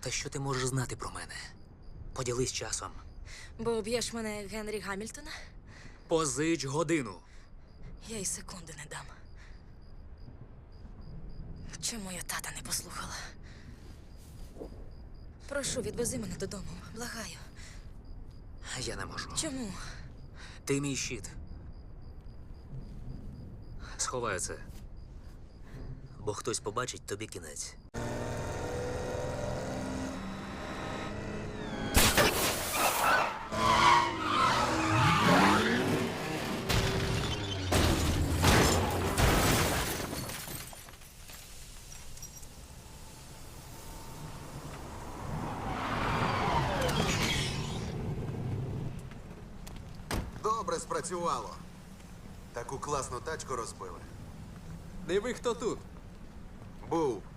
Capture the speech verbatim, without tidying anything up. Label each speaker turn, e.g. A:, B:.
A: Та що ти можеш знати про мене? Поділись часом.
B: Бо об'єш мене як Генрі Гамільтона?
A: Позич годину.
B: Я й секунди не дам. Чому я тата не послухала? Прошу, відвези мене додому. Благаю.
A: Я не можу.
B: Чому?
A: Ти мій щит. Сховаю це. Бо хтось побачить тобі кінець.
C: Добре спрацювало. Таку класну тачку розбили.
D: Диви, хто тут.
C: Був.